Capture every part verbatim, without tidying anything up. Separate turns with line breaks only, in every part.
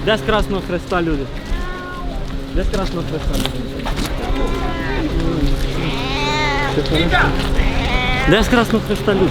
Де з Красного Хреста люди? Де з Красного Хреста люди? Де з Красного Хреста люди?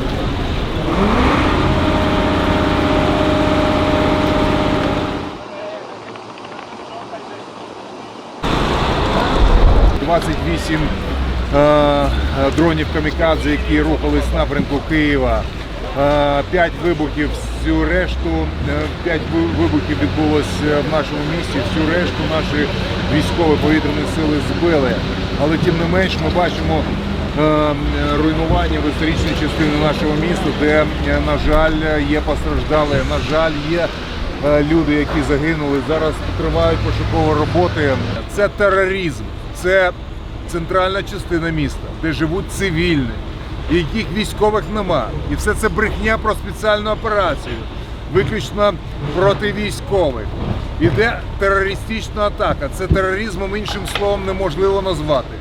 двадцять вісім е, дронів камікадзе, які рухались в напрямку Києва. Е, п'ять вибухів, всю решту, е, п'ять вибухів відбулося в нашому місті, всю решту наші військові повітряні сили збили. Але тим не менш ми бачимо е, руйнування в історичній частині нашого міста, де, на жаль, є постраждалі, на жаль, є е, люди, які загинули. Зараз тривають пошукові роботи. Це тероризм. Це центральна частина міста, де живуть цивільні, яких військових нема. І все це брехня про спеціальну операцію, виключно проти військових. Іде терористична атака. Це тероризмом, іншим словом, неможливо назвати.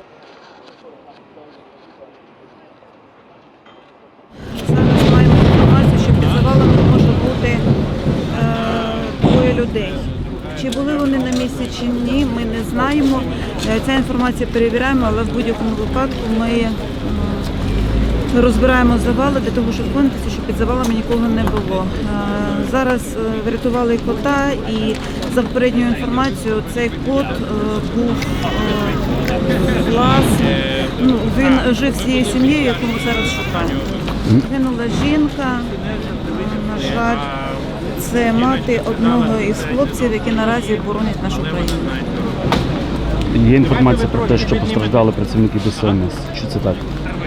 Зараз маємо інформацію, що під завалами може бути е, двоє людей. Чи були вони на місці, чи ні, ми не знаємо. Ця інформація перевіряємо, але в будь-якому випадку ми розбираємо завали для того, щоб впевнитися, що під завалами нікого не було. Зараз врятували кота, і за попередньою інформацією цей кот був власний. Ну, він жив з цією сім'єю, яку ми зараз шукаємо. Гинула жінка, на жаль. Це мати одного із хлопців, які наразі боронять нашу країну.
Є інформація про те, що постраждали працівники ДСНС. Чи це так?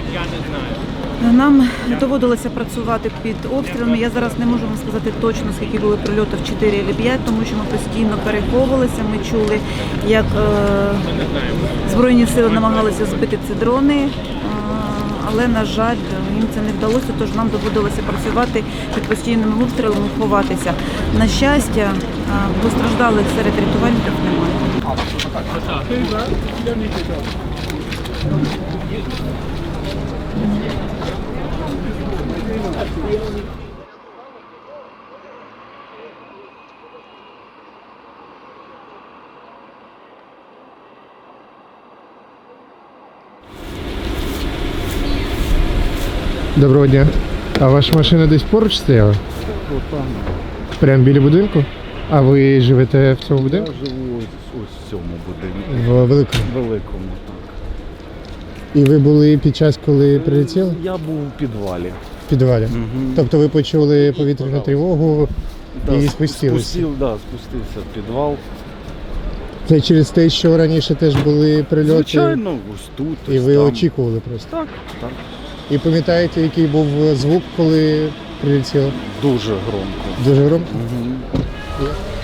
Нам доводилося працювати під обстрілами. Я зараз не можу вам сказати точно, скільки було прильотів, чотири або п'ять, тому що ми постійно переховувалися. Ми чули, як е, Збройні сили намагалися збити ці дрони. Але, на жаль, їм це не вдалося, тож нам доводилося працювати під постійними обстрілами, ховатися. На щастя, постраждалих серед рятувальників немає.
Доброго дня. А ваша машина десь поруч стояла? Прямо біля будинку? А ви живете в цьому будинку?
Я живу ось, ось в цьому будинку.
В великому?
Великому, так.
І ви були під час, коли прилетіли?
Я був у підвалі.
В підвалі?
Угу.
Тобто ви почули повітряну тривогу
Да,
і спустилися?
Спустив, да, спустився в підвал.
Це через те, що раніше теж були прильоти?
Звичайно, ось тут, ось
І ви
там.
очікували просто?
Так, так.
І пам'ятаєте, який був звук, коли прилетіло?
Дуже громко.
Дуже громко?
Угу.